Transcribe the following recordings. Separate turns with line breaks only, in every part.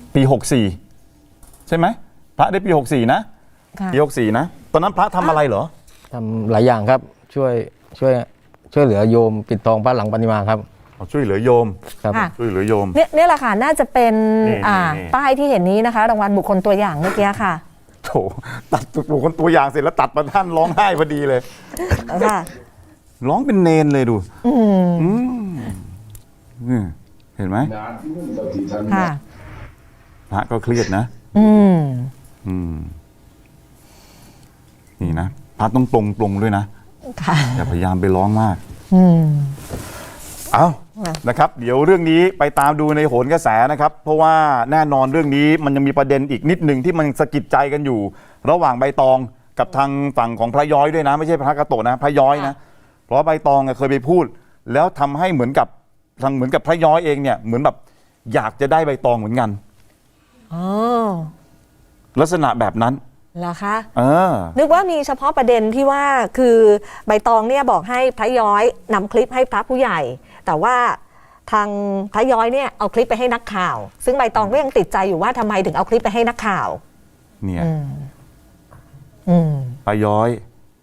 ปี64ใช่ไหมพระได้ปี64นะปี64นะตอนนั้นพระทำอะไรเหรอ
ทำหลายอย่างครับช่วยเหลือโยมปิดทองพระหลังปฏิมาครับ
ช่วยเหลือโยม
ครับ
ช่วยเหลือโยม
เนี่ยแหละค่ะน่าจะเป็น
นี่
ป้ายที่เห็นนี้นะคะรางวัลบุคคลตัวอย่างเมื่อกี้ค่ะ
โถตัดบุคคลตัวอย่างเสร็จแล้วตัดมาท่านร้องไห้พอดีเลย
ค่ะ
ร้องเป็นเนนเลยดูเห็นไหม
ค่ะ
พระก็เครียดนะนี่นะพระต้องตรงด้วยนะอย่าพยายามไปร้องมากเอานะครับเดี๋ยวเรื่องนี้ไปตามดูในโหนกระแสนะครับเพราะว่าแน่นอนเรื่องนี้มันยังมีประเด็นอีกนิดหนึ่งที่มันสะกิดใจกันอยู่ระหว่างใบตองกับทางฝั่งของพระย้อยด้วยนะไม่ใช่พระกาโตะนะพระย้อยนะเพราะใบตองเคยไปพูดแล้วทำให้เหมือนกับพระย้อยเองเนี่ยเหมือนแบบอยากจะได้ใบตองเหมือนกันลักษณะแบบนั้น
เหรอคะนึกว่ามีเฉพาะประเด็นที่ว่าคือใบตองเนี่ยบอกให้พระย้อยนำคลิปให้พระผู้ใหญ่แต่ว่าทางพระย้อยเนี่ยเอาคลิปไปให้นักข่าวซึ่งใบตองก็ยังติดใจอยู่ว่าทำไมถึงเอาคลิปไปให้นักข่าว
เนี่ยพระย้อย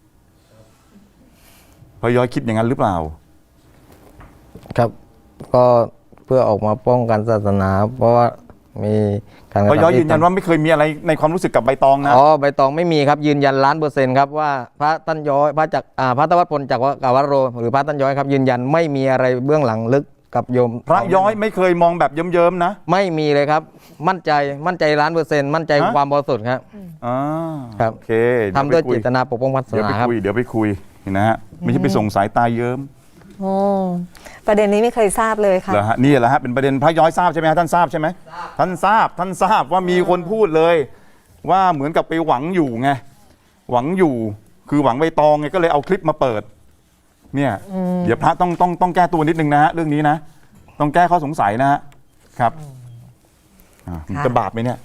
คิดอย่างนั้นหรือเปล่า
ครับก็เพื่อออกมาป้องกันศาสนาเพราะว่ามีการ
พระย้อยยืนยันว่าไม่เคยมีอะไรในความรู้สึกกับใบตองนะ
ใบตองไม่มีครับยืนยัน1,000,000%ครับว่าพระท่านย้อยพระตวัฏพลจากกวโรหรือพระท่านย้อยครับยืนยันไม่มีอะไรเบื้องหลังลึกกับโยม
พระย้อยไม่เคยมองแบบเยิ้มๆนะ
ไม่มีเลยครับมั่นใจ1,000,000%มั่นใจความบริสุทธิ์ครับครับ
โอเค
ทำด้วยเจตนาปกป้องศาสนาครับ
เดี๋ยวไปคุยนะฮะไม่ใช่ไปส่งสายตาเยิ้ม
ประเด็นนี้ไม่เคยทราบเลยค่ะ
นี่แหละฮะเป็นประเด็นพระย้อยทราบใช่ไหมฮะท่านทราบใช่ไหมท่านทราบว่ามีคนพูดเลยว่าเหมือนกับไปหวังอยู่ไงหวังอยู่คือหวังใบตองไงก็เลยเอาคลิปมาเปิดเนี่ยเดี๋ยวพระต้องแก้ตัวนิดนึงนะฮะเรื่องนี้นะต้องแก้ข้อสงสัยนะฮะครับมันจะบาปไหมเนี่ย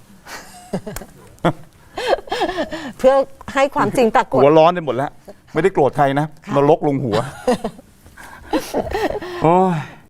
เพื่อให้ความจริงปรากฏ
หัวร้อนไปหมดแล้วไม่ได้โกรธใครนะนรกลงหัวโอ้ย